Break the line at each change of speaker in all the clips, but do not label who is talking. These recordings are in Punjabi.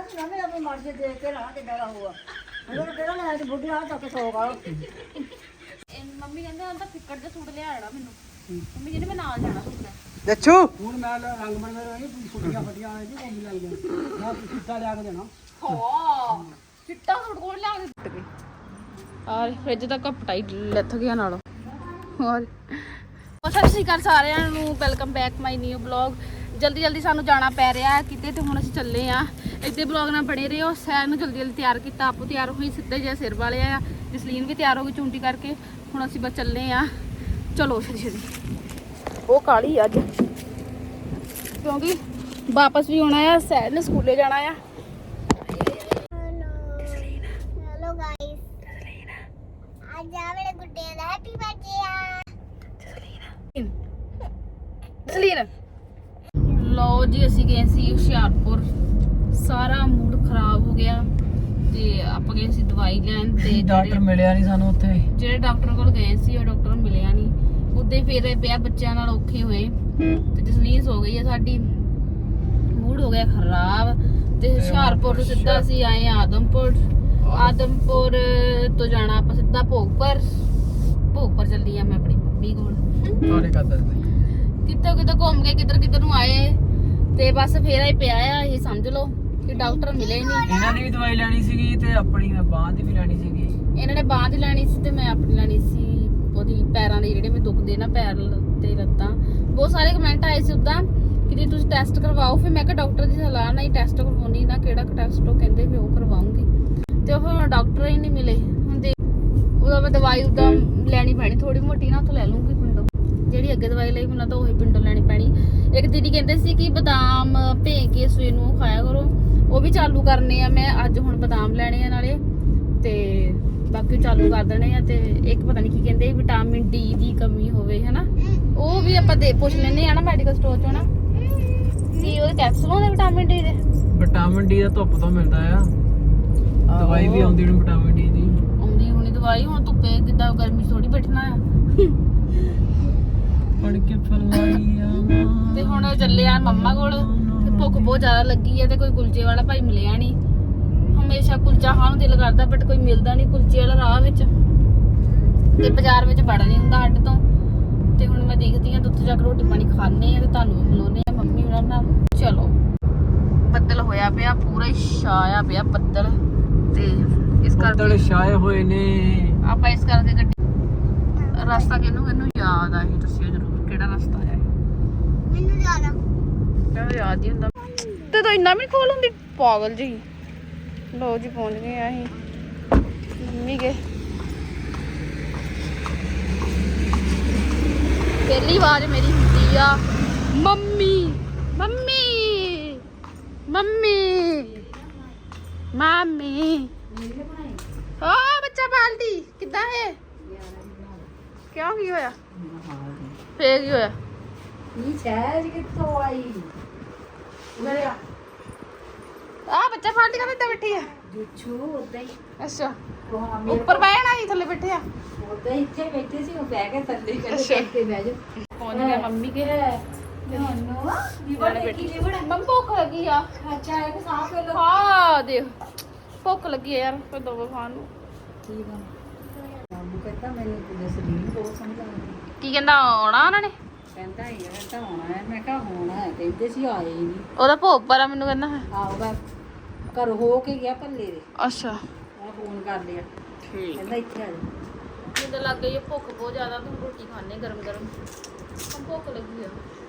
ਸੀ ਨਾ ਮੈਂ ਆਪਣੀ ਮਰਜ਼ੀ ਦੇਖ ਕੇ ਰਹਾ ਕਿੱਦਾਂ ਦਾ ਹੋਊਗਾ ਅਗਰ ਕਿਹੜਾ ਲੈ ਤੇ ਬੁੱਢੀ ਹਾਲ ਤੱਕ ਸੋਗਾ
ਮੰਮੀ ਕਹਿੰਦੇ ਹੁਣ ਤਾਂ ਫਿੱਕੜ ਦਾ ਸੂਟ ਲਿਆ ਆਣਾ ਮੈਨੂੰ ਮੰਮੀ ਕਹਿੰਦੇ ਮੈਂ ਨਾਲ ਜਾਣਾ ਸੂਟ ਲੈ
ਦੱਛੂ
ਹੁਣ ਮੈਂ ਰੰਗ ਬਣ ਰਹੀ ਫੁੱਟੀਆਂ ਫੱਟੀਆਂ ਆਏ ਜੀ ਕੋਮੀ ਲੱਗ ਗਿਆ ਮੈਂ ਸਿੱਧਾ ਲਿਆ ਕੇ ਦੇਣਾ
ਹਾਂ ਚਿੱਟਾ ਸੂਟ ਕੋਲ ਲਿਆ ਕੇ ਦਿੱਤੇ ਆਰ ਫ੍ਰਿਜ ਦਾ ਕਪਟਾ ਹੀ ਲੱਥ ਗਿਆ ਨਾਲੋਂ ਹੋਰ ਸਤਿ ਸ਼੍ਰੀ ਅਕਾਲ ਸਾਰਿਆਂ ਨੂੰ welcome back my new blog ਜਲਦੀ ਸਾਨੂੰ ਜਾਣਾ ਪੈ ਰਿਹਾ ਕਿਤੇ ਤੇ ਹੁਣ ਅਸੀਂ ਚੱਲੇ ਆ ਇੱਥੇ ਬਲੌਗ ਨਾਲ ਬਣੇ ਰਹੋ ਸੈਰ ਨੂੰ ਜਲਦੀ ਤਿਆਰ ਕੀਤਾ ਆਪੂ ਤਿਆਰ ਹੋਈ ਸਿੱਧੇ ਜਿਹੇ ਸਿਰ ਵਾਲੇ ਆ ਜਸਲੀਨ ਵੀ ਤਿਆਰ ਹੋ ਗਈ ਚੁੰਟੀ ਕਰਕੇ ਹੁਣ ਅਸੀਂ ਬਸ ਚੱਲੇ ਆ ਚਲੋ ਛੇਤੀ ਉਹ ਕਾਲੀ ਅੱਜ ਕਿਉਂਕਿ ਵਾਪਸ ਵੀ ਆਉਣਾ ਆ ਸੈਰ ਨੇ ਸਕੂਲੇ ਜਾਣਾ ਆ
हेलो गाइस आज मेरे गुड्डे का हैप्पी बर्थडे
ਜਸਲੀਨ ਲਓ ਜੀ ਅਸੀਂ ਗਏ ਸੀ ਹੁਸ਼ਿਆਰਪੁਰ ਸਾਰਾ ਮੂਡ ਖਰਾਬ ਹੋ ਗਿਆ ਤੇ ਆਪਾਂ ਗਏ ਸੀ ਦਵਾਈ ਲੈਣ ਤੇ
ਡਾਕਟਰ ਮਿਲਿਆ ਨਹੀਂ ਸਾਨੂੰ ਉੱਥੇ
ਜਿਹੜੇ ਡਾਕਟਰ ਕੋਲ ਗਏ ਸੀ ਉਹ ਡਾਕਟਰ ਮਿਲਿਆ ਨਹੀਂ ਉਦੋਂ ਫਿਰ ਪਿਆ ਬੱਚਿਆਂ ਨਾਲ ਔਖੇ ਹੋਏ ਤੇ ਜਸਲੀਨ ਸੋ ਗਈ ਹੈ ਸਾਡੀ ਮੂਡ ਹੋ ਗਿਆ ਖਰਾਬ ਤੇ ਹੁਸ਼ਿਆਰਪੁਰ ਤੋਂ ਸਿੱਧਾ ਅਸੀਂ ਆਏ ਆਦਮਪੁਰ ਤੋਂ ਜਾਣਾ ਆਪਾਂ ਸਿੱਧਾ ਭੋਗਪੁਰ ਚੱਲੀ ਆ ਮੈਂ ਆਪਣੀ ਮੰਮੀ ਕੋਲ
ਸਾਰੇ ਕਰਦਾ
ਕਿਤੇ ਘੁੰਮ ਕੇ ਕਿੱਧਰ ਨੂੰ ਆਏ ਤੇ ਬਸ ਫੇਰ ਹੀ ਪਿਆ ਆ ਇਹ ਸਮਝ ਲਓ ਕਿ ਡਾਕਟਰ ਮਿਲੇ ਨਹੀਂ
ਇਹਨਾਂ ਦੀ ਵੀ ਦਵਾਈ ਲੈਣੀ ਸੀਗੀ ਤੇ ਆਪਣੀ ਮੈਂ ਬਾਂਹ ਦੀ ਵੀ ਲੈਣੀ ਸੀਗੀ
ਇਹਨਾਂ ਨੇ ਬਾਂਹ ਦੀ ਲੈਣੀ ਸੀ ਤੇ ਮੈਂ ਆਪਣੀ ਲੈਣੀ ਸੀ ਉਹਦੀ ਪੈਰਾਂ ਦੇ ਜਿਹੜੇ ਮੈਨੂੰ ਦੁਖਦੇ ਨਾ ਪੈਰ ਤੇ ਲੱਤਾਂ ਬਹੁਤ ਸਾਰੇ ਕਮੈਂਟ ਆਏ ਸੀ ਉਦਾਂ ਕਿ ਜੇ ਤੁਸੀਂ ਟੈਸਟ ਕਰਵਾਓ ਫਿਰ ਮੈਂ ਕਿਹਾ ਡਾਕਟਰ ਦੀ ਸਲਾਹ ਨਾਲ ਹੀ ਟੈਸਟ ਕਰਵਾਉਣੀ ਨਾ ਕਿਹੜਾ ਟੈਸਟ ਉਹ ਕਹਿੰਦੇ ਵੀ ਉਹ ਕਰਵਾਉਂਗੀ ਤੇ ਉਹ ਫਿਰ ਡਾਕਟਰ ਹੀ ਨਹੀਂ ਮਿਲੇ ਹੁਣ ਦੇਖ ਉਹਦਾ ਮੈਂ ਦਵਾਈ ਉਦਾਂ ਲੈਣੀ ਪੈਣੀ ਥੋੜੀ ਮੋਟੀ ਨਾ ਉੱਥੋਂ ਲੈ ਲੂੰਗੀ ਪਿੰਡੋਂ ਜਿਹੜੀ ਅੱਗੇ ਦਵਾਈ ਲਈ ਮੈਨੂੰ ਤਾਂ ਉਹੀ ਪਿੰਡੋਂ ਲੈਣੀ ਪੈਣੀ ਇੱਕ ਦੀਦੀ ਕਹਿੰਦੇ ਸੀ ਕਿ ਬਦਾਮ ਭੇ ਕੇ ਸਵੇਰ ਨੂੰ ਖਾਇਆ ਕਰੋ ਉਹ ਵੀ ਚਾਲੂ ਕਰਨੇ ਆ ਮੈਂ ਅੱਜ ਹੁਣ ਬਦਾਮ ਲੈਣੇ ਆ ਨਾਲੇ ਤੇ ਬਾਕੀ ਚਾਲੂ ਕਰ ਦੇਣੇ ਆ ਤੇ ਇੱਕ ਪਤਾ ਨਹੀਂ ਕੀ ਕਹਿੰਦੇ ਵਿਟਾਮਿਨ ਡੀ ਦੀ ਕਮੀ ਹੋਵੇ ਹਨਾ ਉਹ ਵੀ ਆਪਾਂ ਪੁੱਛ ਲੈਣੇ ਆ ਨਾ ਮੈਡੀਕਲ ਸਟੋਰ ਚੋਂ ਨਾ ਕੀ ਉਹਦੇ ਕੈਪਸੂਲ ਹੁੰਦੇ ਵਿਟਾਮਿਨ ਡੀ ਦੇ
ਧੁੱਪ ਤੋਂ ਮਿਲਦਾ ਆ ਦਵਾਈ ਵੀ ਆਉਂਦੀ ਹੁਣ ਵਿਟਾਮਿਨ ਡੀ ਦੀ
ਆਉਂਦੀ ਹੁਣੀ ਦਵਾਈ ਹੁਣ ਧੁੱਪੇ ਕਿੱਦਾਂ ਗਰਮੀ ਥੋੜੀ ਬੈਠਣਾ ਆ
ਪੜ ਕੇ ਫਲਾਈਆਂ
ਤੇ ਹੁਣ ਚੱਲੇ ਆ ਮੰਮਾ ਕੋਲ ਤੇ ਭੁੱਖ ਬਹੁਤ ਜ਼ਿਆਦਾ ਲੱਗੀ ਹੈ ਤੇ ਕੋਈ ਕੁਲਚੇ ਵਾਲਾ ਭਾਈ ਮਿਲਿਆ ਨਹੀਂ ਹਮੇਸ਼ਾ ਕੁਲਚਾ ਖਾਣ ਨੂੰ ਦਿਲ ਕਰਦਾ ਬਟ ਕੋਈ ਮਿਲਦਾ ਨਹੀਂ ਕੁਲਚੇ ਵਾਲਾ ਰਾਹ ਵਿੱਚ ਤੇ ਬਾਜ਼ਾਰ ਵਿੱਚ ਵੜ ਨਹੀਂ ਹੁੰਦਾ ਸਾਡੇ ਤੋਂ ਤੇ ਹੁਣ ਮੈਂ ਦੇਖਦੀ ਹਾਂ ਉੱਥੇ ਜਾ ਕੇ ਰੋਟੀ ਪਾਣੀ ਖਾਣੇ ਆ ਤੇ ਤੁਹਾਨੂੰ ਵੀ ਮਿਲਾਉਂਦੇ ਆ ਮੰਮੀ ਉਹਨਾਂ ਨਾਲ ਚਲੋ ਬੱਦਲ ਹੋਇਆ ਪਿਆ ਪੂਰਾ ਹੀ ਛਾਇਆ ਪਿਆ ਬੱਦਲ ਤੇ ਇਸ ਕਰਕੇ
ਛਾਏ ਹੋਏ ਨੇ
ਆਪਾਂ ਇਸ ਕਰਕੇ ਗੱਡੀ ਰਸਤਾ ਕਿਹਨੂੰ ਯਾਦ ਆ ਇਹ ਦੱਸਿਓ ਜ਼ਰੂਰ ਕਿਹੜਾ ਰਸਤਾ ਹੈ
मैनू जाना
ਕਹਿੰਦਾ ਯਾਦ ਹੀ ਹੁੰਦਾ ਤੇ ਤਾਂ ਇੰਨਾ ਵੀ ਖੋਲ ਹੁੰਦੀ ਪਾਗਲ ਜੀ ਲੋ ਜੀ ਪਹੁੰਚ ਗਏ ਆ ਅਸੀਂ ਮੰਮੀ ਗਏ ਪਹਿਲੀ ਆਵਾਜ਼ ਮੇਰੀ ਹੁੰਦੀ ਆ ਮੰਮੀ ਮੰਮੀ ਮੰਮੀ ਮਾਮੀ ਓ ਬੱਚਾ ਬਾਲਦੀ ਕਿੱਦਾਂ ਹੈ ਕਿਉਂ ਕੀ ਹੋਇਆ ਫੇਰ ਕੀ ਹੋਇਆ
ਇਹ ਸ਼ਹਿਰ ਕਿੱਥੋਂ ਆਈ ਮੇਰੇ
ਆ ਬੱਚਾ ਬਾਲਦੀ ਕਾ ਇੱਦਾਂ ਬੈਠੀ ਆ
ਜੁੱਛੂ ਉਦਾਂ ਹੀ
ਅੱਛਾ
ਉਹ
ਉੱਪਰ ਬਹਿਣਾ ਹੀ ਥੱਲੇ ਬੈਠੇ ਆ
ਉਦਾਂ ਹੀ ਇੱਥੇ ਬੈਠੇ ਸੀ ਉਹ ਬਹਿ ਕੇ ਥੱਲੇ
ਅੱਛਾ।
ਕੇ ਬਹਿ ਜਾ
ਪਹੁੰਚ ਗਿਆ ਮੰਮੀ ਕੇ
ਨੋਨੋ
ਲਿਵੜ ਦੇਖੀ ਲਿਵੜ ਮੰਮ ਭੁੱਖ ਲੱਗੀ ਆ
ਅੱਛਾ ਇਹ ਸਾਫ ਕਰ ਲੋ
ਹਾਂ ਦੇਖ ਭੁੱਖ ਲੱਗੀ ਆ ਯਾਰ ਕੋਈ ਦੋ ਖਾਣ ਨੂੰ
ਠੀਕ ਆ ਬਾਬੂ ਕਹਿੰਦਾ ਮੈਨੂੰ ਤੇ ਸਲੀਮ ਬਹੁਤ ਸਮਝਾਉਂਦਾ
ਕੀ ਕਹਿੰਦਾ ਆਉਣਾ ਉਹਨਾਂ ਨੇ
ਕਹਿੰਦਾ ਯਾਰ ਤਾਂ ਆਉਣਾ ਹੈ ਮੈਂ ਕਿਹਾ ਹੋਣਾ ਹੈ ਕਹਿੰਦੇ ਸੀ ਆਏ ਹੀ ਨਹੀਂ
ਉਹਦਾ ਭੋਗ ਪਰ ਮੈਨੂੰ ਕਹਿੰਦਾ
ਆਓ ਬਸ ਘਰ ਹੋ ਕੇ ਗਿਆ ਭੱਲੇ ਦੇ
ਅੱਛਾ
ਮੈਂ ਫੋਨ ਕਰ ਲਿਆ
ਠੀਕ
ਕਹਿੰਦਾ ਇੱਥੇ ਆ ਜਾ
ਮੈਨੂੰ ਲੱਗ ਗਈ ਭੁੱਖ ਬਹੁਤ ਜ਼ਿਆਦਾ ਤੂੰ ਰੋਟੀ ਖਾਣੇ ਗਰਮ ਗਰਮ ਭੁੱਖ ਲੱਗੀ ਆ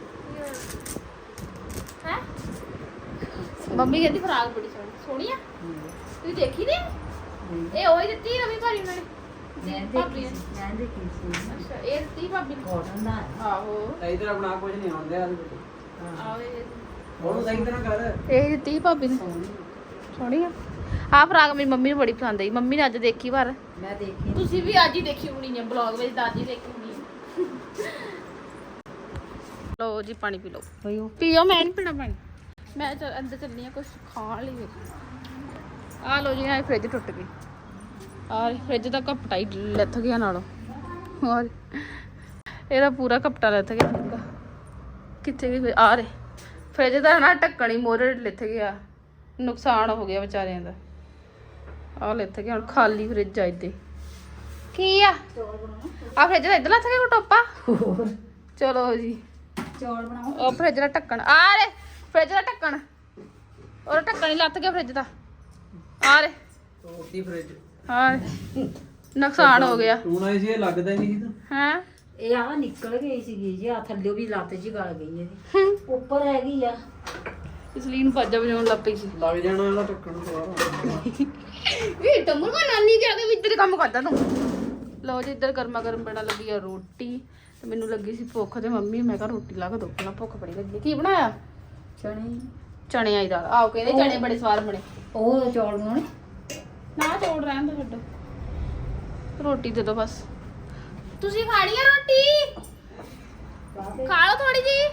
ਹੈ ਮੰਮੀ ਕਹਿੰਦੀ ਫਰਾਕ ਬੜੀ ਸੋਹਣੀ ਆ ਤੁਸੀਂ ਦੇਖੀ ਨੀ ਇਹ ਉਹੀ ਦਿੱਤੀ ਰਵੀ ਭਾਰੀ ਉਹਨਾਂ ਨੇ
ਮੈਂ ਦੇਖੀ ਸੀ
ਅੱਛਾ ਇਹ ਦਿੱਤੀ ਭਾਬੀ ਨੇ
ਕਾਟਨ ਦਾ ਹੈ।
ਆਹੋ
ਸਹੀ ਤਰ੍ਹਾਂ ਬਣਾ ਕੁਝ ਨਹੀਂ ਆਉਂਦੇ ਆ
ਆਹੋ ਇਹ
ਉਹਨੂੰ ਸਹੀ ਤਰ੍ਹਾਂ ਕਰ
ਇਹ ਦਿੱਤੀ ਭਾਬੀ ਨੇ ਸੋਹਣੀ ਆ ਆਹ ਫਰਾਕ ਮੇਰੀ ਮੰਮੀ ਨੂੰ ਬੜੀ ਪਸੰਦ ਆਈ ਮੰਮੀ ਨੇ ਅੱਜ ਦੇਖੀ ਪਰ
ਮੈਂ ਦੇਖੀ
ਤੁਸੀਂ ਵੀ ਅੱਜ ਹੀ ਦੇਖੀ ਹੋਣੀ ਹੈ ਬਲੌਗ ਵਿੱਚ ਦਾਦੀ ਦੇਖੀ ਹੋਣੀ ਹੈ ਲਓ ਜੀ ਪਾਣੀ ਪੀ ਲਓ
ਪਈਓ
ਪੀਓ ਮੈਂ ਨਹੀਂ ਪੀਣਾ ਪਾਣੀ ਮੈਂ ਅੰਦਰ ਚੱਲਣੀ ਆ ਕੁਝ ਖਾਣ ਲਈ ਆ ਲਓ ਜੀ ਆ ਫ੍ਰਿਜ ਟੁੱਟ ਗਈ ਆ ਫ੍ਰਿਜ ਦਾ ਕਪਟਾ ਹੀ ਲੱਥ ਗਿਆ ਨਾਲੋਂ ਹੋਰ ਇਹਦਾ ਪੂਰਾ ਕਪਟਾ ਲੱਥ ਗਿਆ ਕਿੱਥੇ ਗਈ ਆ ਰੇ ਫ੍ਰਿਜ ਦਾ ਨਾ ਢੱਕਣ ਹੀ ਮੋਰੇ ਲੱਥ ਗਿਆ ਨੁਕਸਾਨ ਹੋ ਗਿਆ ਵਿਚਾਰਿਆਂ ਦਾ। ਆਹ ਲਿੱਥ ਗਿਆ ਹੁਣ ਖਾਲੀ ਫ੍ਰਿਜ ਆ ਇੱਥੇ। ਕੀ ਆ ਆ ਫ੍ਰਿਜ ਦਾ ਇੱਧਰ ਲੱਥ ਗਿਆ ਕੋਈ ਟੋਪਾ। ਚਲੋ ਜੀ
ਚੌਲ ਬਣਾਓ।
ਉਹ ਫ੍ਰਿਜ ਦਾ ਢੱਕਣ ਆ ਰੇ, ਫ੍ਰਿਜ ਦਾ ਢੱਕਣ, ਉਹ ਢੱਕਣ ਹੀ ਲੱਥ ਗਿਆ ਫ੍ਰਿਜ ਦਾ। ਆ ਰੇ
ਤੋੜਤੀ ਫ੍ਰਿਜ।
ਹਾਂ ਨੁਕਸਾਨ ਹੋ ਗਿਆ।
ਤੂੰ ਨਾ ਸੀ ਇਹ ਲੱਗਦਾ ਹੀ ਨਹੀਂ ਸੀ ਤਾਂ।
ਹੈ
ਇਹ ਆ ਨਿਕਲ ਗਈ ਸੀਗੀ ਜੀ, ਆ ਥੱਲੇ ਵੀ ਲੱਤ ਜੀ ਗਲ ਗਈ ਇਹਦੀ, ਉੱਪਰ ਹੈਗੀ ਆ।
ਇਸ ਲਈ ਨੂੰ ਬਾਜਾ ਵਜਾਉਣ ਲੱਗ ਪਈ ਸੀ।
ਲੱਗ ਜਾਣਾ ਇਹਦਾ ਢੱਕਣ ਦੁਬਾਰਾ।
ਇਹ ਟੰਮੂ ਕੋ ਨਾਨੀ ਕੇ ਆਗੇ ਇੱਧਰ ਕੰਮ ਕਰਦਾ ਤੂੰ। ਲਓ ਜੀ ਇੱਧਰ ਗਰਮਾ ਗਰਮ ਬਣਾ ਲੱਗੀ ਆ ਰੋਟੀ ਤੇ ਮੈਨੂੰ ਲੱਗੀ ਸੀ ਭੁੱਖ ਤੇ ਮੰਮੀ ਮੈਂ ਕਿਹਾ ਰੋਟੀ ਲਾ ਕੇ ਦੋ, ਪਹਿਲਾਂ ਭੁੱਖ ਬੜੀ ਲੱਗੀ। ਕੀ ਬਣਾਇਆ?
ਚਣੇ।
ਚਣਿਆਂ ਦੀ ਦਾਲ। ਆਓ ਕਹਿੰਦੇ ਚਣੇ ਬੜੇ ਸਵਾਦ ਬਣੇ।
ਉਹ ਚੌਲ ਬਣਾਉਣੇ
ਨਾ ਚੋੜ ਰਹਿਣ ਦੋ, ਛੱਡੋ ਰੋਟੀ ਦੇ ਦੋ ਬਸ। ਤੁਸੀਂ ਖਾਣੀ ਆ ਰੋਟੀ? ਖਾ ਲਓ ਥੋੜੀ ਜੀ।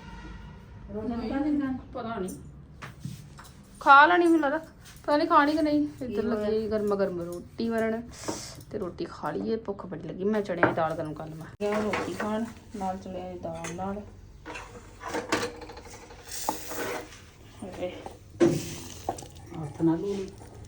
ਪਤਾ ਨਹੀਂ ਖਾ ਲੈਣੀ ਮੈਨੂੰ ਲੱਗਦਾ, ਪਤਾ ਨਹੀਂ ਖਾਣੀ ਕਿ ਨਹੀਂ। ਇੱਧਰ ਲੱਗੀ ਗਰਮਾ ਗਰਮ ਰੋਟੀ ਬਣਨ ਤੇ ਰੋਟੀ ਖਾ ਲਈਏ, ਭੁੱਖ ਬੜੀ ਲੱਗੀ। ਮੈਂ ਚਣਿਆਂ ਦੀ ਦਾਲ ਗਰਮ ਕਰ ਲਵਾਂ। ਰੋਟੀ ਖਾਣ ਨਾਲ ਚਣਿਆਂ ਦੀ ਦਾਲ ਨਾਲ
ਹੱਥ ਨਾਲ ਲੂਣੀ।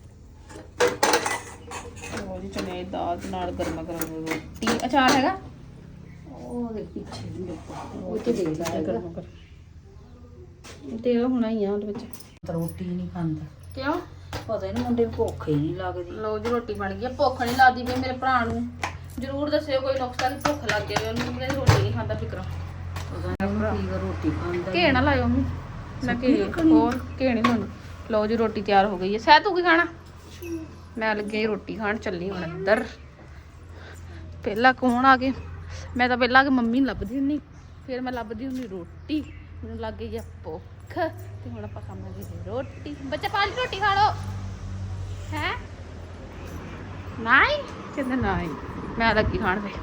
ਉਹ ਜੀ ਚਣਿਆਂ ਦੀ ਦਾਲ ਦੇ ਨਾਲ ਗਰਮਾ ਗਰਮ ਰੋਟੀ। ਅਚਾਰ ਹੈਗਾ
ਉਹਦੇ ਪਿੱਛੇ ਵੀ ਉਹ ਤੇ ਦੇ ਲਾ
ਗਰਮਾ ਗਰਮ ਤੇ ਉਹ ਹੋਣਾ ਹੀ ਆ ਉਹਦੇ ਵਿੱਚ।
ਰੋਟੀ ਨਹੀਂ ਖਾਂਦਾ
ਕਿਉਂ?
ਪਤਾ ਨਹੀਂ, ਮੁੰਡੇ ਨੂੰ ਭੁੱਖ ਹੀ ਨਹੀਂ ਲੱਗਦੀ।
ਲਓ ਜੀ ਰੋਟੀ ਬਣ ਗਈ ਆ। ਭੁੱਖ ਨਹੀਂ ਲੱਗਦੀ ਪਈ ਮੇਰੇ ਭਰਾ ਨੂੰ, ਜ਼ਰੂਰ ਦੱਸਿਓ ਕੋਈ ਨੁਕਸਾ ਕਿ ਭੁੱਖ ਲੱਗ ਗਈ ਉਹਨੂੰ। ਕਹਿੰਦੇ ਰੋਟੀ ਨਹੀਂ ਖਾਂਦਾ ਫਿਕਰਾ।
ਪਤਾ ਨਹੀਂ ਕੀ ਰੋਟੀ ਖਾਂਦਾ।
ਘੇ ਨਾ ਲਾਇਓ ਮੰਮੀ, ਮੈਂ ਹੋਰ ਘੇ ਨਹੀਂ ਲਾਉਣੀ। ਲਓ ਜੀ ਰੋਟੀ ਤਿਆਰ ਹੋ ਗਈ ਹੈ। ਸਹਿ ਤੂੰ ਕੀ ਖਾਣਾ? ਮੈਂ ਲੱਗੀ ਰੋਟੀ ਖਾਣ, ਚੱਲੀ ਹੁਣ ਅੰਦਰ। ਪਹਿਲਾਂ ਕੌਣ ਆ ਗਏ? ਮੈਂ ਤਾਂ ਪਹਿਲਾਂ ਆ ਕੇ ਮੰਮੀ ਨੂੰ ਲੱਭਦੀ ਹੁੰਦੀ, ਫਿਰ ਮੈਂ ਲੱਭਦੀ ਹੁੰਦੀ ਰੋਟੀ। ਮੈਨੂੰ ਲੱਗ ਗਈ ਆ ਭੁੱਖ ਤੇ ਹੁਣ ਆਪਾਂ ਖਾਵਾਂਗੇ ਰੋਟੀ। ਬੱਚਾ ਪਾਲੀ ਰੋਟੀ ਖਾ ਲਓ। ਹੈ ਨਹੀਂ ਕਹਿੰਦੇ ਨਹੀਂ, ਮੈਂ ਲੱਗੀ ਖਾਣ ਫੇ।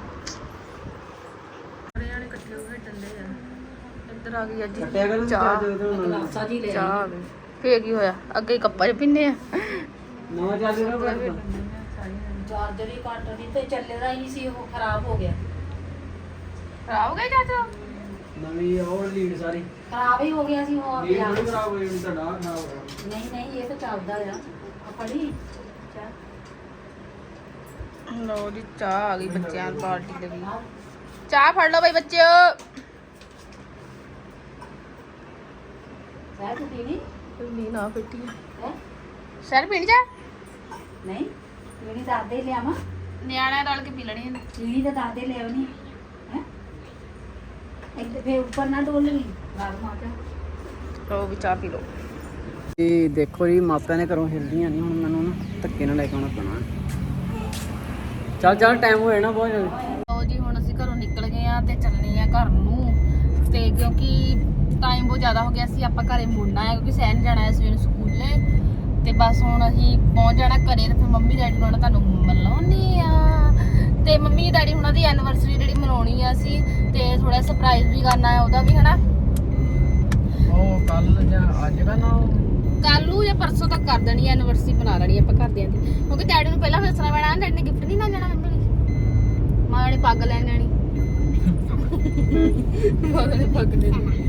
ਜਾਣੇ ਇਕੱਠੇ ਹੋ ਕੇ ਡੰਡੇ ਆ। ਇੱਧਰ ਆ ਗਈ ਅੱਜ
ਕੱਟਿਆ ਕਰ
ਚਾਹ।
ਗਲਾਸਾ ਜੀ ਲੈ
ਚਾਹ ਆ ਗਈ। ਫੇਰ ਕੀ ਹੋਇਆ? ਅੱਗੇ ਹੀ ਕੱਪਾਂ 'ਚ ਪੀਨੇ ਆ।
ਨਵਾਂ ਚੱਲ ਰਿਹਾ ਪਰ
ਚਾਰਜਰ ਹੀ ਕੱਟ ਨਹੀਂ ਤੇ ਚੱਲਦਾ ਹੀ ਨਹੀਂ ਸੀ, ਉਹ ਖਰਾਬ ਹੋ ਗਿਆ।
ਖਰਾਬ ਹੋ ਗਿਆ ਚਾਚਾ?
ਨਵੀਂ ਉਹ ਲੀਡ ਸਾਰੀ
ਖਰਾਬ ਹੀ ਹੋ ਗਿਆ ਸੀ ਉਹ
ਲੀਡ
ਪਿਆ।
ਥੋੜੀ ਖਰਾਬ ਹੋਈ ਹੁਣ, ਤੁਹਾਡਾ ਖਰਾਬ ਹੋ ਗਿਆ।
ਨਹੀਂ ਨਹੀਂ, ਇਹ ਤਾਂ ਚੱਲਦਾ ਆ। ਆ ਫੜੀ
ਲਓ ਜੀ ਚਾਹ ਆ ਗਈ ਬੱਚਿਆਂ ਦੀ ਪਾਰਟੀ ਦੇ ਵੀ। ਚਾਹ ਫੜ ਲਓ ਬਈ ਬੱਚਿਓ।
ਸਹਿ ਤੂੰ ਪੀਣੀ
ਨੀ ਨਾ ਬੇਟੀ
ਹੈ?
ਸਰ ਪੀਣੀ ਚਾਹ?
ਨਹੀਂ ਪੀਣੀ ਦਾਦੇ ਲਿਆਵਾਂ।
ਨਿਆਣਿਆਂ ਰਲ ਕੇ ਪੀ ਲੈਣੀ ਇਹਨੇ।
ਪੀਣੀ ਤਾਂ ਦਾਦੇ ਲਿਆਉਣੀ ਹੈ। ਇੱਥੇ ਫੇਰ ਉੱਪਰ ਨਾ ਡੋਲਣੀ, ਰਾਤ ਮਾਤਾ।
ਲਓ ਵੀ ਚਾਹ ਪੀ ਲਓ।
ਇਹ ਦੇਖੋ ਜੀ ਮਾਪਿਆਂ ਨੇ ਘਰੋਂ ਹਿਲਦੀਆਂ ਨਹੀਂ, ਹੁਣ ਮੈਨੂੰ ਨਾ ਧੱਕੇ ਨਾਲ ਲੈ ਕੇ ਆਉਣਾ ਪੈਣਾ। ਚੱਲ ਚੱਲ ਟਾਈਮ ਹੋ ਜਾਣਾ ਬਹੁਤ ਜ਼ਿਆਦਾ।
ਲਓ ਜੀ ਹੁਣ ਅਸੀਂ ਘਰੋਂ ਨਿਕਲ ਗਏ ਆ ਤੇ ਚੱਲਣੇ ਆ ਘਰ ਨੂੰ। ਤੇ ਕਿਉਂਕਿ ਟਾਈਮ ਬਹੁਤ ਜ਼ਿਆਦਾ ਹੋ ਗਿਆ ਸੀ, ਆਪਾਂ ਘਰੇ ਮੁੜਨਾ ਹੈ ਕਿਉਂਕਿ ਸਹਿਣ ਜਾਣਾ ਹੈ ਸਵੇਰੇ ਸਕੂਲੇ। ਤੇ ਬਸ ਹੁਣ ਅਸੀਂ ਪਹੁੰਚ ਜਾਣਾ ਘਰੇ ਤੇ ਫਿਰ ਮੰਮੀ ਡੈਡੀ ਨੂੰ ਤੁਹਾਨੂੰ ਮਿਲਾਉਣੀ ਆ। ਤੇ ਮੰਮੀ ਡੈਡੀ ਹੁਣਾਂ ਦੀ ਐਨੀਵਰਸਰੀ ਜਿਹੜੀ ਮਨਾਉਣੀ ਆ ਅਸੀਂ, ਤੇ ਥੋੜਾ ਸਰਪ੍ਰਾਈਜ਼ ਵੀ ਕਰਨਾ ਹੈ ਉਹਦਾ ਵੀ, ਹਨਾ।
ਉਹ ਕੱਲ ਜਾਂ ਅੱਜ ਦਾ ਨਾ
ਕੱਲ ਨੂੰ ਜਾਂ ਪਰਸੋਂ ਤੱਕ ਕਰ ਦੇਣੀ ਐਨੀਵਰਸਰੀ ਬਣਾ ਲੈਣੀ ਆਪਾਂ ਘਰਦਿਆਂ ਦੀ, ਕਿਉਂਕਿ ਡੈਡੀ ਨੂੰ ਪਹਿਲਾਂ ਦੱਸਣਾ ਪੈਣਾ। ਡੈਡੀ ਨੇ ਗਿਫਟ ਨਹੀਂ ਨਾ ਜਾਣਾ ਮੰਮੀ ਲਈ, ਮਾਂ ਨੇ ਪੱਗ ਲੈਣ ਜਾਣੀ। ਮਾਂ ਨੇ ਪੱਗ ਲੈਣੀ।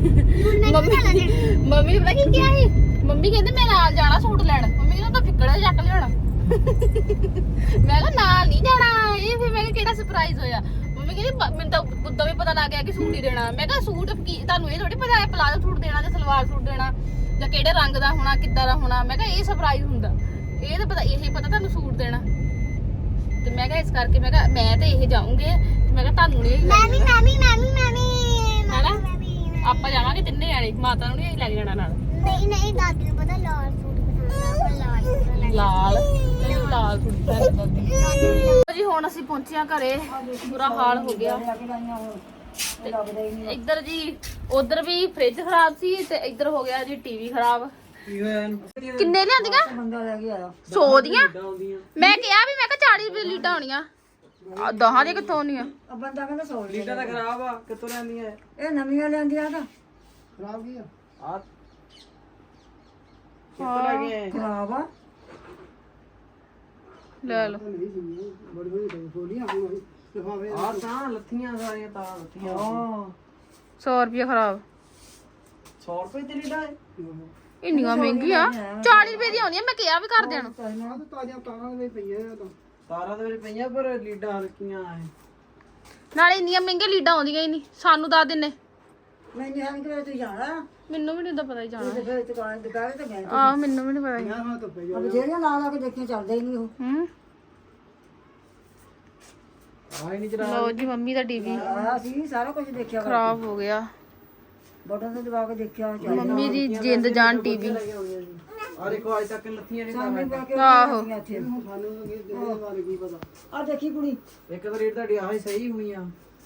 ਮੰਮੀ ਨੇ ਪਤਾ ਕੀ ਕਿਹਾ ਸੀ? ਮੰਮੀ ਕਹਿੰਦੇ ਮੈਂ ਨਾਲ ਜਾਣਾ ਸੂਟ ਲੈਣ। ਮੰਮੀ ਕਹਿੰਦਾ ਤਾਂ ਫਿੱਕੜਾ ਚੱਕ ਲਿਆਉਣਾ। ਮੈਂ ਕਿਹਾ ਨਾਲ ਨਹੀਂ ਜਾਣਾ। ਇਹ ਫਿਰ ਮੈਂ ਕਿਹਾ ਕਿਹੜਾ ਸਰਪ੍ਰਾਈਜ਼ ਹੋਇਆ? ਮੰਮੀ ਕਹਿੰਦੀ ਮੈਨੂੰ ਤਾਂ ਉਦੋਂ ਵੀ ਪਤਾ ਲੱਗ ਗਿਆ ਕਿ ਸੂਟ ਹੀ ਦੇਣਾ। ਮੈਂ ਕਿਹਾ ਸੂਟ ਕੀ ਤੁਹਾਨੂੰ ਇਹ ਥੋੜੀ ਪਤਾ ਹੈ ਪਲਾਜ਼ੋ ਸੂਟ ਦੇਣਾ ਜਾਂ ਸਲਵਾਰ ਸੂਟ ਦੇਣਾ ਜਾਂ ਕਿਹੜੇ ਰੰਗ ਦਾ ਹੋਣਾ, ਕਿੱਦਾਂ ਦਾ ਹੋਣਾ। ਮੈਂ ਕਿਹਾ ਇਹ ਸਰਪ੍ਰਾਈਜ਼ ਹੁੰਦਾ, ਇਹ ਤਾਂ ਪਤਾ, ਇਹੀ ਪਤਾ ਤੁਹਾਨੂੰ ਸੂਟ ਦੇਣਾ। ਤੇ ਮੈਂ ਕਿਹਾ ਇਸ ਕਰਕੇ ਮੈਂ ਕਿਹਾ ਮੈਂ ਤੇ ਇਹ ਜਾਊਂਗੇ ਤੇ ਮੈਂ ਕਿਹਾ ਤੁਹਾਨੂੰ ਨਹੀਂ
ਮੈਂ ਵੀ
ਹੈਨਾ। ਆਪਾਂ ਜਾਵਾਂਗੇ ਤਿੰਨੇ ਜਾਣੇ, ਮਾਤਾ ਨੂੰ ਨਹੀਂ ਲੈ ਕੇ ਜਾਣਾ ਨਾਲ।
ਨਹੀਂ ਦਾਦੀ ਨੂੰ ਪਤਾ ਲਾਲ ਸੂਟ ਪਸੰਦ ਆ, ਲਾਲ
ਲਾਲ ਸੂਟ ਜੀ। ਹੁਣ ਅਸੀਂ ਪਹੁੰਚਿਆ ਘਰੇ, ਬੁਰਾ ਹਾਲ ਹੋ ਗਿਆ। ਇੱਧਰ ਜੀ ਉਧਰ ਵੀ ਫ੍ਰਿਜ ਖਰਾਬ ਸੀ ਤੇ ਇੱਧਰ ਹੋ ਗਿਆ ਜੀ ਟੀਵੀ ਖਰਾਬ।
ਕੀ ਹੋਇਆ ਇਹਨੂੰ?
ਕਿੰਨੇ ਲਿਆਂਦੀਆਂ?
ਬੰਦਾ ਲੈ ਗਿਆ
100 ਦੀਆਂ।
ਆਉਂਦੀਆਂ
ਮੈਂ ਕਿਹਾ ਵੀ ਮੈਂ ਕਿਹਾ 40 ਲੀਟਾਂ ਹੋਣੀਆਂ, 10 ਦੀਆਂ ਕਿੱਥੋਂ ਆਉਣੀਆਂ?
ਆ ਬੰਦਾ ਕਹਿੰਦਾ 100
ਲੀਡਾਂ ਤਾਂ ਖਰਾਬ ਆ, ਕਿੱਥੋਂ ਲੈਂਦੀਆਂ
ਇਹ ਨਵੀਆਂ ਲੈਂਦੀਆਂ ਤਾਂ
ਖਰਾਬ ਕੀ ਆ ਕਿੱਥੋਂ ਲੈ ਕੇ ਆਏ?
ਖਰਾਬ ਆ।
ਲੈ ਲਓ।
ਆ ਤਾਂ ਲੱਥੀਆਂ ਸਾਰੀਆਂ ਤਾਂ ਲੱਥੀਆਂ।
100 ਰੁਪਏ ਖਰਾਬ।
100 ਰੁਪਏ ਦੀ ਲੀਡਾਂ ਹੈ?
ਇੰਨੀਆਂ ਮਹਿੰਗੀਆਂ 40 ਰੁਪਏ ਦੀਆਂ ਆਉਂਦੀਆਂ ਮੈਂ ਕਿਹਾ ਵੀ ਕਰ ਦੇਣ
ਤਾਰਾਂ ਦੇ ਵਿੱਚ ਪਈਆਂ ਪਰ ਲੀਡਾਂ ਹਲਕੀਆਂ ਐ
ਨਾਲੇ ਇੰਨੀਆਂ ਮਹਿੰਗੀਆਂ ਲੀਡਾਂ ਆਉਂਦੀਆਂ ਹੀ ਨਹੀਂ ਸਾਨੂੰ ਦੱਸ ਦਿੰਨੇ
ਮੈਨੂੰ ਹਾਂ ਕਿ ਤੂੰ ਜਾਣਾ
ਮੈਨੂੰ ਵੀ ਨਹੀਂ ਤਾਂ ਪਤਾ ਹੀ ਜਾਣਾ
ਤੇ ਫਿਰ ਦੁਕਾਨ ਤੇ ਗਏ
ਆਹ ਮੈਨੂੰ ਵੀ ਨਹੀਂ ਪਤਾ ਹੀ
ਅਬ ਜਿਹੜੀਆਂ ਲਾ ਲਾ ਕੇ ਦੇਖੀਆਂ ਚੱਲਦਾ ਹੀ ਨਹੀਂ ਉਹ
ਹੂੰ
ਆਹ ਨਹੀਂ ਚਲਾ
ਲਓ ਜੀ ਮੰਮੀ ਦਾ ਟੀਵੀ
ਆਇਆ ਸੀ ਸਾਰਾ ਕੁਝ ਦੇਖਿਆ
ਖਰਾਬ ਹੋ ਗਿਆ
ਬਟਨ ਤੇ ਦਬਾ ਕੇ ਦੇਖਿਆ
ਮੰਮੀ ਦੀ ਜਿੰਦ ਜਾਨ ਟੀਵੀ
ਆ ਦੇਖੋ ਅੱਜ ਤੱਕ ਲੱਥੀਆਂ ਨਹੀਂ
ਸਾਹਮਣੇ
ਤਾਰਾਂ
ਬੈ ਕੇ
ਆਹੋ
ਇੱਥੇ
ਸਾਨੂੰ ਇਹਦੇ ਬਾਰੇ ਕੀ ਪਤਾ
ਆ ਦੇਖੀ ਕੁੜੀ
ਇੱਕ ਤਾਂ ਰੇਟ ਤੁਹਾਡੀ ਆਹ ਹੀ ਸਹੀ ਹੋਈਆਂ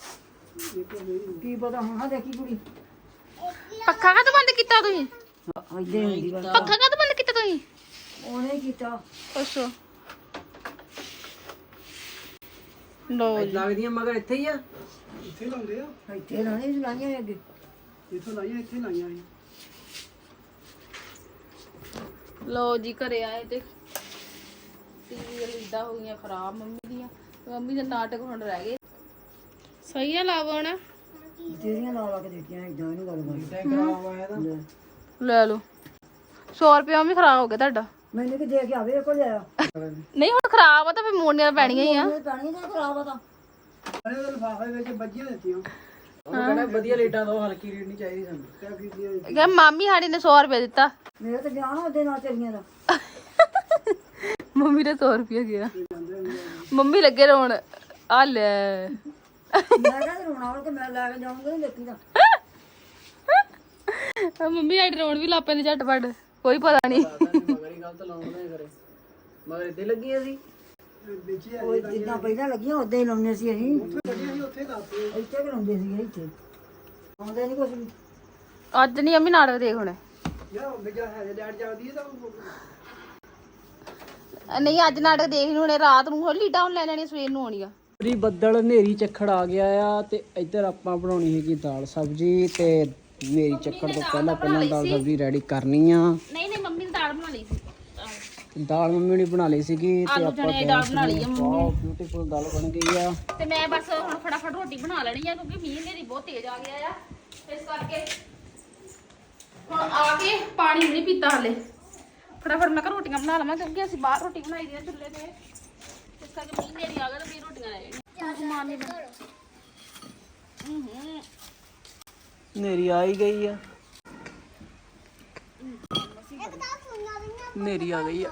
ਕੀ ਪਤਾ ਹੁਣ ਆ ਦੇਖੀ ਕੁੜੀ
ਪੱਖਾ ਕਦੋਂ ਬੰਦ ਕੀਤਾ ਤੁਸੀਂ
ਇੱਦੇ ਹੁੰਦੀ ਵਾ
ਪੱਖਾ ਕਦੋਂ ਬੰਦ ਕੀਤਾ ਤੁਸੀਂ
ਉਹਨੇ ਕੀਤਾ
ਅੱਛਾ ਲਓ ਜੀ
ਲੱਗਦੀਆਂ ਮਗਰ ਇੱਥੇ ਹੀ ਆ
ਇੱਥੇ ਲਾਣੇ ਲਾਈਆਂ ਅੱਗੇ
ਲਓ ਜੀ ਘਰੇ ਆਏ ਤੇ ਟੀਵੀ ਵਾਲੀ ਲੀਡਾਂ ਹੋ ਗਈਆਂ ਖਰਾਬ ਮੰਮੀ ਦੀਆਂ ਮੰਮੀ ਦੇ ਨਾਟਕ ਹੁਣ ਰਹਿ ਗਏ ਸਹੀ ਆ ਲਾਵਣ
ਤੇਰੀਆਂ ਲਾ ਲਾ ਕੇ ਦੇਖੀਆਂ ਇਦਾਂ ਨਹੀਂ ਗੱਲ ਕਰ
ਟੈਂਕ ਖਰਾਬ ਆਇਆ ਤਾਂ
ਲੈ ਲਓ 100 ਰੁਪਏ ਵੀ ਖਰਾਬ ਹੋ ਗਿਆ ਤੁਹਾਡਾ
ਮੈਨੂੰ ਕਿ ਦੇ ਕੇ ਆਵੇ ਕੋਲ ਆਇਆ
ਨਹੀਂ ਹੁਣ ਖਰਾਬ ਆ ਤਾਂ ਫਿਰ ਮੋੜਨੀਆਂ ਤਾਂ ਪੈਣੀਆਂ ਹੀ ਆ
ਇਹ ਪਾਣੀ ਦਾ ਖਰਾਬ ਆ ਤਾਂ
ਉਹ ਕਹਿੰਦਾ ਵਧੀਆ ਰੇਟਾਂ ਦੋ ਹਲਕੀ ਰੇਟ ਨਹੀਂ ਚਾਹੀਦੀ ਸਾਨੂੰ
ਕਿਹਾ ਮਾਮੀ ਸਾਡੀ ਨੇ 100 ਰੁਪਏ ਦਿੱਤਾ
ਮੇਰੇ ਤੇ ਵਿਆਹ ਨਾ ਉਹਦੇ ਨਾਲ ਤੇਰੀਆਂ ਦਾ
ਮੰਮੀ ਨੇ 100 ਰੁਪਏ ਗਿਆ ਮੰਮੀ ਲੱਗੇ ਰੋਣ ਆ ਲੈ
ਮੈਂ ਕਹਿੰਦਾ ਰੋਣਾ ਉਹ ਕਿ ਮੈਂ ਲੈ ਕੇ ਜਾਊਂਗਾ ਨਹੀਂ ਦੇਖੀ ਤਾਂ
ਮੰਮੀ ਸਾਡੀ ਰੋਣ ਵੀ ਲਾਪੇ ਨੇ ਝਟਪਟ ਕੋਈ ਪਤਾ ਨਹੀਂ
ਮਗਰ ਹੀ ਗਲਤ ਲਾਉਂਦੇ ਕਰੇ ਮਗਰ ਇੱਥੇ ਲੱਗੀਆਂ ਸੀ
ਉਹ ਜਿੱਦਾਂ ਪਹਿਲਾਂ ਲੱਗੀਆਂ ਉਦਾਂ ਹੀ ਲਾਉਂਦੇ ਸੀ ਅਸੀਂ ਇੱਥੇ ਲਾਉਂਦੇ ਸੀ ਇੱਥੇ ਆਉਂਦੇ ਨਹੀਂ ਕੁਝ ਵੀ
ਅੱਜ ਨਹੀਂ ਅੰਮੀ ਨਾਟਕ ਦੇਖ ਹੁਣ ਨਹੀਂ ਅੱਜ ਨਾਟਕ ਦੇਖ ਨਹੀਂ ਹੁਣੇ ਰਾਤ ਨੂੰ ਹੋਰ ਲੀਡਾਂ ਹੁਣ ਲੈ ਲੈਣੀ ਸਵੇਰ ਨੂੰ ਆਉਣੀ ਆ
ਜੀ ਬੱਦਲ ਹਨੇਰੀ ਝੱਖੜ ਆ ਗਿਆ ਆ ਤੇ ਇੱਧਰ ਆਪਾਂ ਬਣਾਉਣੀ ਹੈਗੀ ਦਾਲ ਸਬਜ਼ੀ ਤੇ ਹਨੇਰੀ ਝੱਖੜ ਤੋਂ ਪਹਿਲਾਂ ਦਾਲ ਸਬਜ਼ੀ ਰੈਡੀ ਕਰਨੀ ਆ
ਨਹੀਂ ਨਹੀਂ ਮੰਮੀ ਨੇ ਦਾਲ ਬਣਾ ਲਈ ਸੀ
ਦਾਲ ਮੰਮੀ ਨੇ ਬਣਾ ਲਈ ਸੀਗੀ ਤੇ
ਆਲੂ
ਆਪਾਂ
ਚਣੇ ਦੀ ਦਾਲ ਬਣਾ ਲਈ ਆ ਮੰਮੀ
ਬਹੁਤ ਬਿਊਟੀਫੁਲ ਦਾਲ ਬਣ ਗਈ ਆ
ਤੇ ਮੈਂ ਬਸ ਹੁਣ ਫਟਾਫਟ ਰੋਟੀ ਬਣਾ ਲੈਣੀ ਆ ਕਿਉਂਕਿ ਮੀਂਹ ਹਨੇਰੀ ਬਹੁਤ ਤੇਜ਼ ਆ ਗਿਆ ਆ ਇਸ ਕਰਕੇ ਹੁਣ ਆ ਕੇ ਪਾਣੀ ਨਹੀਂ ਪੀਤਾ ਹਲੇ ਫਟਾਫਟ ਮੈਂ ਕਿਹਾ ਰੋਟੀਆਂ ਬਣਾ ਲਵਾਂ ਕਿਉਂਕਿ ਅਸੀਂ ਬਾਹਰ ਰੋਟੀ ਬਣਾਈ ਦੀ ਆ ਚੁੱਲ੍ਹੇ ਤੇ ਇਸ ਕਰਕੇ ਮੀਂਹ ਹਨੇਰੀ ਆ ਗਿਆ ਤੇ ਫਿਰ ਰੋਟੀਆਂ ਲੈ ਜਾਣੀਆਂ ਸਮਾਨ ਨਹੀਂ
ਹਨੇਰੀ ਆ ਹੀ ਗਈ ਆ ਹਨੇਰੀ ਆ ਗਈ ਆ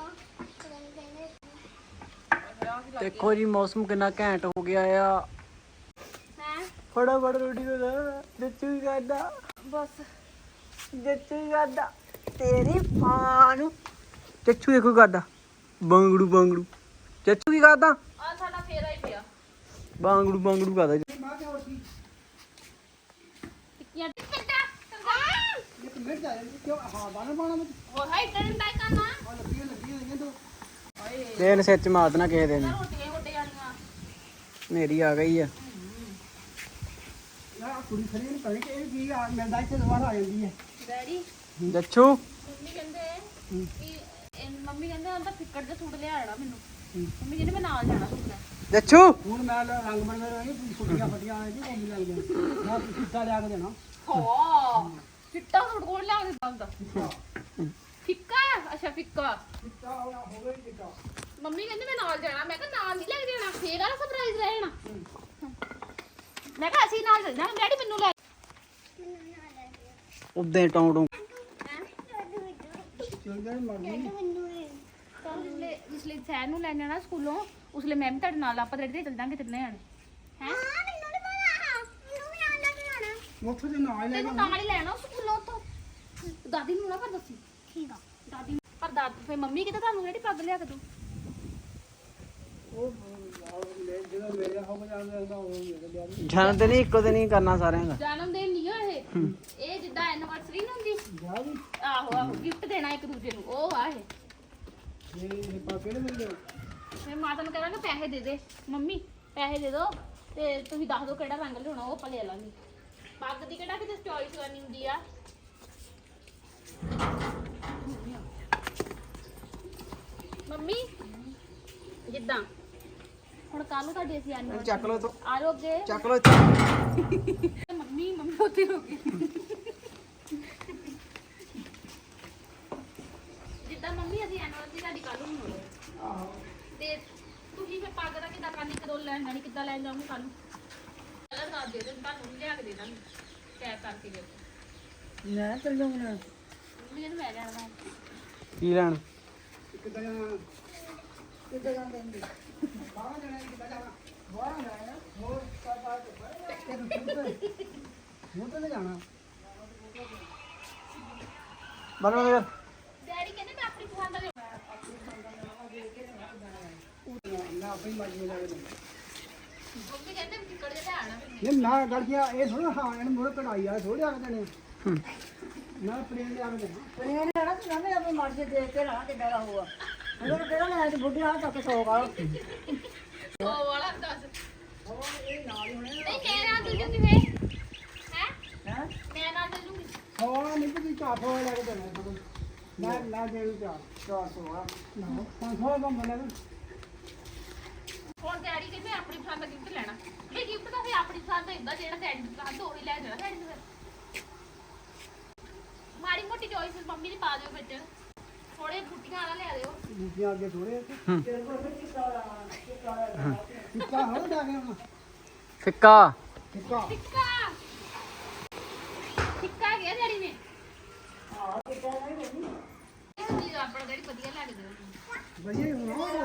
ਦੇਖੋ ਜੀ ਮੌਸਮ ਕਿੰਨਾ ਘੈਂਟ ਹੋ ਗਿਆ ਆ
ਹੈ
ਫਟਾਫਟ ਰੋਟੀ ਦਾ ਦਿੱਚੂ ਹੀ ਕਰਦਾ
ਬਸ
ਦਿੱਚੂ ਹੀ ਕਰਦਾ ਤੇਰੀ ਮਾਂ ਨੂੰ ਚੱਚੂ ਦੇਖੋ ਕਰਦਾ ਬੰਗੜੂ ਬੰਗੜੂ ਚੱਚੂ ਕੀ ਕਰਦਾ
ਆ ਸਾਡਾ ਫੇਰਾ ਹੀ ਪਿਆ
ਬੰਗੜੂ ਬੰਗੜੂ ਕਰਦਾ
ਟਿੱਕੀਆਂ ਹੋਰ ਹਾਈ ਟਰਨ ਟਾਈ ਕਰਨਾ
ਤੇਲ ਸਿਰ ਚ ਮਾਰ ਦੇਣਾ ਕਿਸੇ ਦਿਨ
ਰੋਟੀਆਂ ਹੀ ਵੱਡੇ ਜਾਣੀਆਂ
ਹਨੇਰੀ ਆ ਗਈ ਆ
ਡੈਡੀ
ਦੱਛੂ
ਮੰਮੀ ਕਹਿੰਦੇ ਉਹਦਾ ਫਿੱਕੜ ਜਿਹਾ ਸੂਟ ਲਿਆ ਆਣਾ ਮੈਨੂੰ ਮੰਮੀ ਕਹਿੰਦੇ ਮੈਂ ਨਾਲ ਜਾਣਾ ਸੂਟ ਲੈ
ਦੱਛੂ
ਹੁਣ ਮੈਂ ਰੰਗ ਬਣ ਰਹੀ ਛੁੱਟੀਆਂ ਫਟੀਆਂ ਆਏ ਜੀ ਕੋਲ ਲੱਗ ਜਾਣਾ ਨਾ ਸਿੱਧਾ ਲਿਆ ਕੇ ਦੇਣਾ
ਹਾਂ ਚਿੱਟਾ ਸੂਟ ਕੋਲ ਲਿਆ ਕੇ ਦਿੰਦਾ ਫਿੱਕਾ ਅੱਛਾ ਫਿੱਕਾ ਮੰਮੀ ਕਹਿੰਦੇ ਮੈਂ ਨਾਲ ਜਾਣਾ ਮੈਂ ਕਿਹਾ ਨਾਲ ਨਹੀਂ ਲੈ ਕੇ ਜਾਣਾ ਫੇਰ ਆਲਾ ਸਰਪ੍ਰਾਈਜ਼ ਰਹਿਣਾ ਮੈਂ ਕਿਹਾ ਅਸੀਂ ਨਾਲ ਚੱਲ ਜਾਣਾ ਡੈਡੀ ਮੈਨੂੰ ਲੈ
ਉਦਾਂ ਟੌਂ ਟੌਂ
ਜਿਸਲੇ ਸੈਰ ਨੂੰ ਲੈ ਜਾਣਾ ਸਕੂਲੋਂ ਉਸਲੇ ਮੈਂ ਵੀ ਤੁਹਾਡੇ ਨਾਲ ਆਪਾਂ ਰੈਡੀ ਤੇ ਚੱਲ ਜਾਾਂਗੇ ਤਿੰਨੇ ਜਾਣੇ ਹੈ ਤੈਨੂੰ ਨਾਲ ਹੀ ਲੈਣਾ ਸਕੂਲੋਂ ਉੱਥੋਂ ਦਾਦੀ ਨੂੰ ਨਾ ਪਰ ਦੱਸੀ ਠੀਕ ਆ ਦਾਦੀ ਪਰ ਦਾਦੀ ਫੇ ਮੰਮੀ ਕਿਤੇ ਤੁਹਾਨੂੰ ਜਿਹੜੀ ਪੱਗ ਲਿਆ ਕੇ ਦੂ
ਜਨਮ ਦਿਨ ਇੱਕੋ ਦਿਨ ਹੀ ਕਰਨਾ ਸਾਰਿਆਂ ਦਾ
ਜਨਮ ਦਿਨ ਨਹੀਂ ਇਹ ਜਿੱਦਾਂ ਐਨੀਵਰਸਰੀ ਨਾ ਹੁੰਦੀ ਆਹੋ ਆਹੋ ਗਿਫਟ ਦੇਣਾ ਇੱਕ ਦੂਜੇ ਨੂੰ ਉਹ ਆ ਇਹ ਫਿਰ ਮਾਤਾ ਨੂੰ ਕਹਾਂਗਾ ਪੈਸੇ ਦੇ ਦੇ ਮੰਮੀ ਪੈਸੇ ਦੇ ਦੋ ਤੇ ਤੁਸੀਂ ਦੱਸ ਦਿਓ ਕਿਹੜਾ ਰੰਗ ਲਿਆਉਣਾ ਉਹ ਆਪਾਂ ਲੈ ਲਾਂਗੇ ਪੱਗ ਦੀ ਕਿਹੜਾ ਕਿਤੇ ਚੋਇਸ ਕਰਨੀ ਹੁੰਦੀ ਆ ਮੰਮੀ ਜਿੱਦਾਂ ਹੁਣ ਕੱਲ ਨੂੰ ਤੁਹਾਡੀ ਅਸੀਂ ਐਨੀਵਰਸਰੀ
ਚੱਕ ਲੋ ਤੋ
ਆ ਜਾਓ ਅੱਗੇ
ਚੱਕ ਲੋ ਇੱਥੇ
ਮੰਮੀ ਉੱਥੇ ਹੋ ਗਈ ਖਾਣੀ ਕਦੋਂ ਲੈਣ ਜਾਣੀ ਕਿੱਦਾਂ ਲੈਣ ਜਾਊਂਗੀ ਕੱਲ ਨੂੰ ਪਹਿਲਾਂ ਦੱਸ ਦੇ ਦੇ ਤੁਹਾਨੂੰ ਲਿਆ ਕੇ ਦੇ ਦਾਂਗੀ ਪੈਕ ਕਰਕੇ ਦੇ
ਮੈਂ ਚੱਲ ਜਾਊਂਗਾ
ਮੰਮੀ ਨੂੰ ਮੈਂ ਲੈਣਾ
ਕੀ ਲੈਣ
ਕਿੱਦਾਂ ਜਾਂਦੇ ਬਾਹਰ ਜਾਣਾ ਕਿੱਦਾਂ ਜਾਣਾ ਬਾਹਰ ਜਾਣਾ ਹੋਰ ਹੁਣ ਤਾਂ ਜਾਣਾ
ਬਣਾ ਯਾਰ
ਡੈਡੀ ਕਹਿੰਦੇ ਮੈਂ ਆਪਣੀ ਪਸੰਦ ਦਾ
ਮੈਂ ਆਪਣੀ ਮਰਜ਼ੀ ਨਾਲ ਜਾਣਾ
ਮੰਮੀ ਕਹਿੰਦੇ ਟਿਕਟ ਦੇ ਆਣਾ
ਇਹ ਨਾ ਗਲਤੀਆਂ ਇਹ ਥੋੜਾ ਹਾਂ ਇਹਨੂੰ ਮੋੜ ਕਢਾਈ ਆ ਥੋੜੇ ਆ ਦੇਣੇ ਨਾ ਪਲੇਨ ਦੇ ਆ ਦੇਣੇ ਪਲੇਨ ਲੈਣਾ ਤੇ ਨਾ ਆਪਣੀ ਮਰਜ਼ੀ ਦੇਖ ਕੇ ਨਾ ਕਿੱਦਾਂ ਦਾ ਹੋਊਗਾ ਅਗਰ ਕਿਹੜਾ ਲੈ ਤੇ ਬੁੱਢੀ ਆ ਤੱਕ 100 ਵਾਲਾ
100 ਵਾਲਾ ਦੱਸ
ਉਹ ਇਹ ਨਾਲ ਹੀ ਹੋਣੇ
ਨਹੀਂ ਮੈਂ ਨਾਲ ਚੱਲ ਜੂਗੀ ਫੇ ਹੈ
ਹੈ
ਮੈਂ ਨਾਲ ਚੱਲ ਜੂਗੀ
100 ਨਹੀਂ ਤੇ 400 ਲੈ ਕੇ ਦੇਣਾ ਤੁਹਾਨੂੰ ਮੈਂ ਦੇ ਦੂੰ 400 ਆ ਨਾ 500 ਦਾ ਬਣਾ
ਹੁਣ ਡੈਡੀ ਕਹਿੰਦੇ ਆਪਣੀ ਪਸੰਦ ਦਾ ਗਿਫਟ ਲੈਣਾ ਇਹ ਗਿਫਟ ਤਾਂ ਫੇ ਆਪਣੀ ਪਸੰਦ ਦਾ ਹੁੰਦਾ ਜਿਹੜਾ ਡੈਡੀ ਦੀ ਪਸੰਦ ਉਹੀ ਲੈ ਜਾਣਾ ਡੈਡੀ ਨੂੰ ਫਿਰ ਮਾੜੀ ਮੋਟੀ ਚੋਇਸ ਮੰਮੀ ਦੀ ਪਾ ਦਿਓ ਵਿੱਚ ਥੋੜੇ ਬੁੱਟੀਆਂ ਵਾਲਾ ਲੈ ਦਿਓ
ਦੂਜਿਆਂ ਅੱਗੇ ਥੋੜੇ ਤੇਰੇ ਕੋਲ ਕਿੱਤਾ ਹੋ ਜਾ ਕੇ ਹੁਣ
ਫਿੱਕਾ
ਕਿੱਤਾ
ਟਿੱਕਾ ਟਿੱਕਾ ਗਿਆ ਡੈਡੀ ਨੇ
ਹਾਂ ਕਿੱਤਾ ਨਹੀਂ ਬਣੀ
ਇਹ ਜੀ ਆਪਣਾ ਡੈਡੀ ਵਧੀਆ ਲੱਗ ਦੇ
ਵਧੀਆ ਹੋਣਾ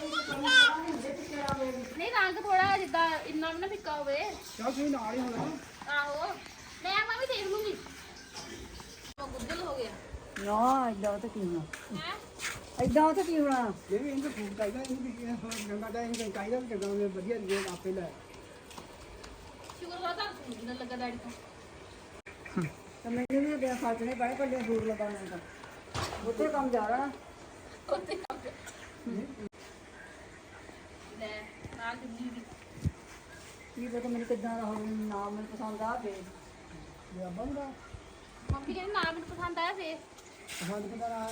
ਨਹੀਂ ਰੰਗ ਥੋੜਾ ਜਿੱਦਾਂ ਇੰਨਾ ਵੀ ਨਾ ਫਿੱਕਾ ਹੋਵੇ
ਚੱਲ ਤੁਸੀਂ ਨਾਲ ਹੀ ਹੋਣਾ
ਆਹੋ ਮੈਂ ਵੀ ਦੇਖ ਲੂੰਗੀ ਉਹ ਗੁੱਦਲ ਹੋ ਗਿਆ
ਨਾ ਇਦਾਂ ਤਾਂ ਕੀ ਹੋਣਾ
ਹੈ
ਇਦਾਂ ਤਾਂ ਕੀ ਹੋਣਾ ਇਹ ਵੀ ਇਹਨੂੰ ਫੂਡ ਚਾਹੀਦਾ ਇਹਨੂੰ ਵੀ ਗੰਗਾ ਦਾ ਇਹਨੂੰ ਚਾਹੀਦਾ ਕਿ ਗੰਗਾ ਦੇ ਵਧੀਆ ਰਿਜ਼ਲਟ ਆਪੇ ਲੈ
ਸ਼ੁਕਰ ਕਰਦਾ ਤੁਹਾਨੂੰ ਲੱਗਾ ਡੈਡੀ ਤੋਂ
ਤਾਂ ਮੈਨੂੰ ਵੀ ਦੇ ਖਰਚਣੇ ਪੜੇ ਪੱਲੇ ਫੂਡ ਲਗਾਉਣਾ ਤਾਂ ਉੱਤੇ ਕੰਮ ਜਾ ਰਹਾ
ਲੈ ਨਾਲ ਜੁੜੀ ਵੀ
ਕੀ ਪਤਾ ਮੈਨੂੰ ਕਿੱਦਾਂ ਦਾ ਹੋਵੇ ਨਾਮ ਮੈਨੂੰ ਪਸੰਦ ਆ ਫੇ ਇਹ ਬੰਦਾ
ਮੰਮੀ ਕਹਿੰਦੀ ਨਾ ਮੈਨੂੰ ਪਸੰਦ ਆਇਆ ਫੇ
ਪਸੰਦ ਕਿੱਦਾਂ ਆ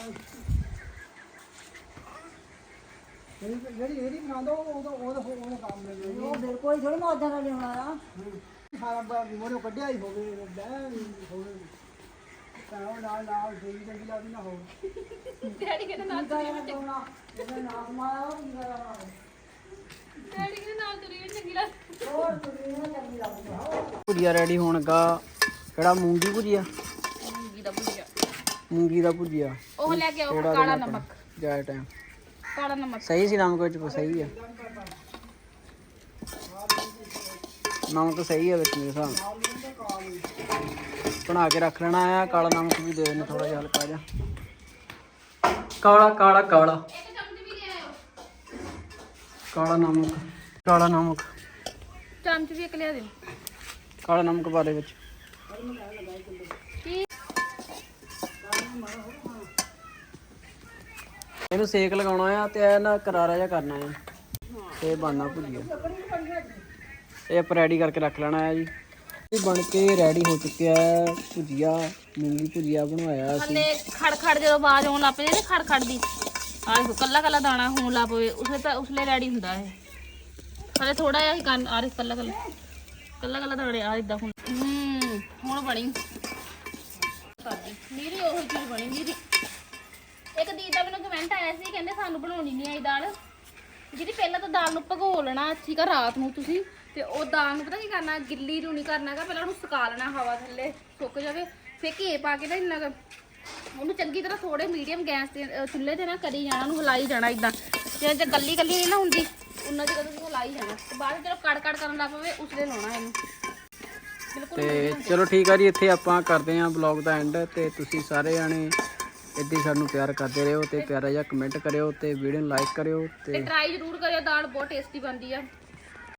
ਜਿਹੜੀ ਇਹਦੀ ਪਸੰਦ ਉਹਦਾ ਕੰਮ ਮਿਲ ਉਹ ਫਿਰ ਕੋਈ ਥੋੜਾ ਨਾ ਉਦਾਂ ਦਾ ਲਿਆਉਣਾ ਆ ਸਾਰਾ ਮੋੜੋ ਕੱਢਿਆ ਹੀ ਹੋਵੇ ਬਹਿ ਹੋਵੇ ਤਾਂ ਨਾਲ ਨਾਲ ਦੇਈ ਚੰਗੀ ਲੱਗਦੀ ਨਾ ਹੋਵੇ
ਡੈਡੀ ਕਹਿੰਦੇ ਨਾਲ
ਇਹਦਾ ਨਾਮ ਮਾਇਆ
ਡੈਡੀ ਕਹਿੰਦੇ ਨਾਲ ਤੁਰੀ ਵੀ ਚੰਗੀ ਲੱਗ
ਹੋਰ ਤੁਰੀ ਨਾ ਚੰਗੀ ਲੱਗਦੀ
ਭੁਜੀਆ ਰੈਡੀ ਹੋਣਗਾ ਕਿਹੜਾ ਮੂੰਗੀ ਭੁਜੀਆ
ਮੂੰਗੀ ਦਾ ਭੁਜੀਆ
ਮੂੰਗੀ ਦਾ ਭੁਜੀਆ
ਉਹ ਲੈ ਕੇ ਆਓ ਕਾਲਾ ਨਮਕ
ਜਾਇ ਟਾਈਮ
ਕਾਲਾ ਨਮਕ
ਸਹੀ ਸੀ ਨਮਕ ਵਿੱਚ ਸਹੀ ਆ ਨਮਕ ਸਹੀ ਆ ਵਿੱਚ ਮੇਰੇ ਹਿਸਾਬ ਨਾਲ ਬਣਾ ਕੇ ਰੱਖ ਲੈਣਾ ਆ ਕਾਲਾ ਨਮਕ ਵੀ ਦੇ ਦੇਣਾ ਥੋੜਾ ਜਿਹਾ ਹਲਕਾ ਜਿਹਾ ਕਾਲਾ ਕਾਲਾ ਕਾਲਾ
ਇੱਕ ਚਮਚ ਵੀ ਲੈ ਆਇਓ
ਕਾਲਾ ਨਮਕ
ਚਮਚ ਵੀ ਇੱਕ ਲਿਆ ਦਿਓ
ਕਾਲਾ ਨਮਕ ਪਾ ਦੇ ਵਿੱਚ
ਕੀ
ਇਹਨੂੰ ਸੇਕ ਲਗਾਉਣਾ ਆ ਤੇ ਇਹ ਨਾ ਕਰਾਰਾ ਜਿਹਾ ਕਰਨਾ ਆ ਤੇ ਬਣਨਾ ਭੁਜੀਆ ਇਹ ਆਪਾਂ ਰੈਡੀ ਕਰਕੇ ਰੱਖ ਲੈਣਾ ਆ ਜੀ ਇਹ ਬਣ ਕੇ ਰੈਡੀ ਹੋ ਚੁੱਕਿਆ ਹੈ ਭੁਜੀਆ ਮੂੰਗੀ ਭੁਜੀਆ ਬਣਵਾਇਆ ਅਸੀਂ
ਹਲੇ ਖੜਖੜ ਜਦੋਂ ਆਵਾਜ਼ ਆਉਣ ਲੱਗ ਪਈ ਨਾ ਖੜਖੜ ਦੀ ਆਹ ਦੇਖੋ ਕੱਲਾ ਕੱਲਾ ਦਾਣਾ ਹੋਣ ਲੱਗ ਪਵੇ ਉਸਲੇ ਰੈਡੀ ਹੁੰਦਾ ਇਹ ਹਲੇ ਥੋੜਾ ਜਿਹਾ ਹੀ ਕੰਨ ਆ ਰਿਹਾ ਕੱਲਾ ਕੱਲਾ ਦਾਣੇ ਆ ਇਦਾਂ ਹੁਣ ਬਣੀ ਸਾਡੀ ਮੇਰੀ ਉਹ ਚੀਜ਼ ਬਣੀ ਮੇਰੀ ਇੱਕ ਦੀਦੀ ਦਾ ਮੈਨੂੰ ਕਮੈਂਟ ਆਇਆ ਸੀ ਕਹਿੰਦੇ ਸਾਨੂੰ ਬਣਾਉਣੀ ਨਹੀਂ ਆਈ ਦਾਲ ਜਿਹੜੀ ਪਹਿਲਾਂ ਤਾਂ ਦਾਲ ਨੂੰ ਭਗੋ ਲੈਣਾ ਠੀਕ ਆ ਰਾਤ ਨੂੰ ਤੁਸੀਂ ਤੇ ਉਹ ਦਾਲ ਨੂੰ ਪਤਾ ਕੀ ਕਰਨਾ ਗਿੱਲੀ ਨੂੰ ਨਹੀਂ ਕਰਨਾ ਹੈਗਾ ਪਹਿਲਾਂ ਉਹਨੂੰ ਸੁਕਾ ਲੈਣਾ ਹਵਾ ਥੱਲੇ ਸੁੱਕ ਜਾਵੇ ਫਿਰ ਘੇ ਪਾ ਕੇ ਨਾ ਇੰਨਾ ਉਹਨੂੰ ਚੰਗੀ ਤਰ੍ਹਾਂ ਥੋੜੇ ਮੀਡੀਅਮ ਗੈਸ ਤੇ ਚੁੱਲ੍ਹੇ ਤੇ ਨਾ ਕਰੀ ਜਾਣਾ ਉਹਨੂੰ ਹਿਲਾਈ ਜਾਣਾ ਇਦਾਂ ਜੇ ਗੱਲੀ ਨਹੀਂ ਨਾ ਹੁੰਦੀ ਉਹਨਾਂ ਚਿਰ ਤੁਸੀਂ ਹਿਲਾਈ ਜਾਣਾ ਤੇ ਬਾਅਦ ਜਦੋਂ ਕੜ ਕਰਨ ਲੱਗ ਪਵੇ ਉਸਲੇ ਲਾਉਣਾ ਇਹਨੂੰ ਬਿਲਕੁਲ
ਤੇ ਚਲੋ ਠੀਕ ਆ ਜੀ ਇੱਥੇ ਆਪਾਂ ਕਰਦੇ ਆਂ ਬਲੌਗ ਦਾ ਐਂਡ ਤੇ ਤੁਸੀਂ ਸਾਰੇ ਜਾਣੇ ਇੱਦਾਂ ਹੀ ਸਾਨੂੰ ਪਿਆਰ ਕਰਦੇ ਰਹੋ ਤੇ ਪਿਆਰਾ ਜਿਹਾ ਕਮੈਂਟ ਕਰਿਓ ਤੇ ਵੀਡੀਓ ਨੂੰ ਲਾਈਕ ਕਰਿਓ
ਤੇ
ਤੇ
ਟਰਾਈ ਜ਼ਰੂਰ ਕਰਿਓ ਦਾਲ ਬਹੁਤ ਟੇਸਟੀ ਬਣਦੀ ਆ